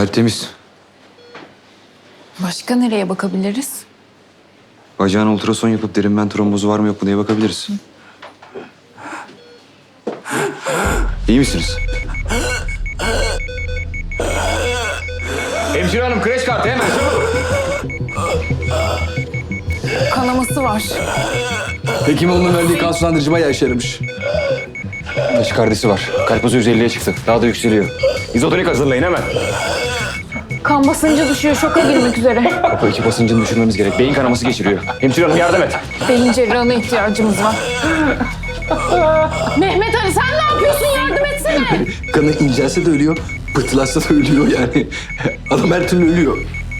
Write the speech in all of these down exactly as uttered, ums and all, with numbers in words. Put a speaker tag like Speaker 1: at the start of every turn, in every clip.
Speaker 1: Kalp temiz.
Speaker 2: Başka nereye bakabiliriz?
Speaker 1: Bacağına ultrason yapıp derin ven trombozu var mı yok mu diye bakabiliriz. İyi misiniz? Hemşire hanım, kreş kartı hemen çabuk.
Speaker 2: Kanaması var.
Speaker 3: Hekimoğlu'nun verdiği kan sulandırıcı bayağı işe yaramış.
Speaker 1: Taşikardisi var. Kalp hızı yüz elliye çıktı. Daha da yükseliyor. İzotonik hazırlayın hemen.
Speaker 2: Kan basıncı düşüyor, şoka girmek üzere.
Speaker 1: Kapı içi basıncını düşürmemiz gerek. Beyin kanaması geçiriyor. Hemşire hanım yardım et.
Speaker 2: Beyin cerrahına ihtiyacımız var. Mehmet Ali sen ne yapıyorsun? Yardım etsene.
Speaker 3: Kanı incelse de ölüyor, pıhtılaşsa da ölüyor yani. Adam her türlü ölüyor.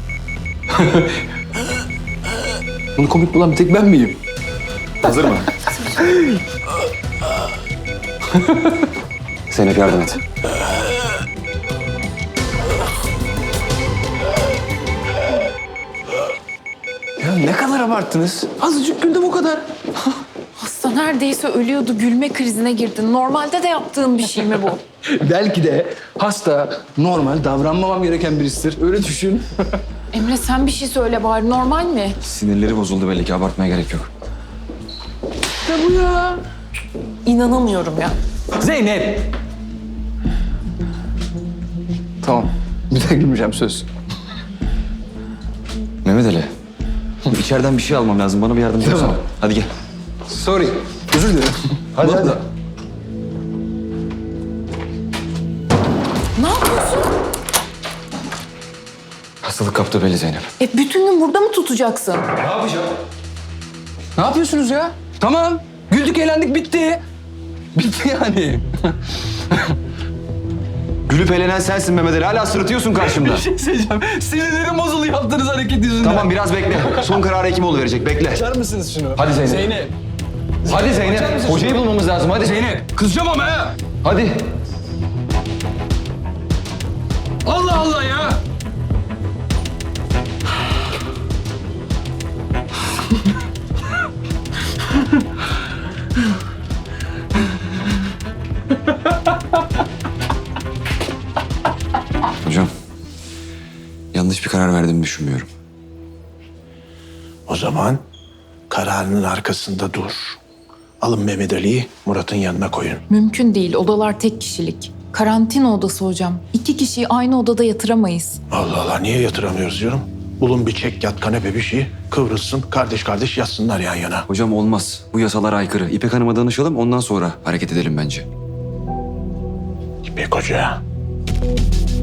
Speaker 3: Bunu komik bulan bir tek ben miyim?
Speaker 1: Hazır mı? Zeynep yardım et.
Speaker 3: Ya ne kadar abarttınız? Azıcık güldüm o kadar.
Speaker 2: Hasta neredeyse ölüyordu. Gülme krizine girdin. Normalde de yaptığın bir şey mi bu?
Speaker 3: Belki de hasta, normal, davranmamam gereken birisidir. Öyle düşün.
Speaker 2: Emre sen bir şey söyle bari. Normal mi?
Speaker 1: Sinirleri bozuldu belli ki. Abartmaya gerek yok.
Speaker 3: Ne bu ya?
Speaker 2: İnanamıyorum ya.
Speaker 3: Zeynep! Tamam. Bir daha gülmeyeceğim söz.
Speaker 1: Mehmet Ali. İçeriden bir şey almam lazım. Bana bir yardımcı
Speaker 3: Tamam.
Speaker 1: olsana. Hadi gel.
Speaker 3: Sorry. Özür dilerim.
Speaker 1: Hadi, hadi.
Speaker 2: Ne yapıyorsun?
Speaker 1: Hastalık kaptı belli Zeynep.
Speaker 2: E bütün gün burada mı tutacaksın?
Speaker 3: Ne yapıyorsunuz ya? Tamam. Güldük, eğlendik, bitti. Bitti yani.
Speaker 1: Gülüp eğlenen sensin Mehmet Ali. Hala sırıtıyorsun karşımda.
Speaker 3: Bir şey söyleyeceğim. Sinirlerim bozuldu yaptığınız hareket yüzünden.
Speaker 1: Tamam biraz bekle. Son kararı Hekimoğlu verecek. Bekle.
Speaker 3: Açar mısınız şunu?
Speaker 1: Hadi Zeynep.
Speaker 3: Zeynep.
Speaker 1: Hadi Zeynep.
Speaker 3: Açar mısın
Speaker 1: Hocayı
Speaker 3: şunu?
Speaker 1: bulmamız lazım. Hadi.
Speaker 3: Zeynep. Kızacağım ama ha.
Speaker 1: Hadi.
Speaker 3: Allah Allah ya.
Speaker 1: Hocam. Yanlış bir karar verdiğimi düşünmüyorum.
Speaker 4: O zaman kararının arkasında dur. Alın Mehmet Ali'yi Murat'ın yanına koyun.
Speaker 2: Mümkün değil. Odalar tek kişilik. Karantina odası hocam. İki kişiyi aynı odada yatıramayız.
Speaker 4: Allah Allah niye yatıramıyoruz diyorum. Bulun bir çek yat kanepe bir şey kıvrılsın kardeş kardeş yatsınlar yan yana.
Speaker 1: Hocam olmaz. Bu yasalara aykırı. İpek Hanım'a danışalım. Ondan sonra hareket edelim bence.
Speaker 4: İpek Hoca.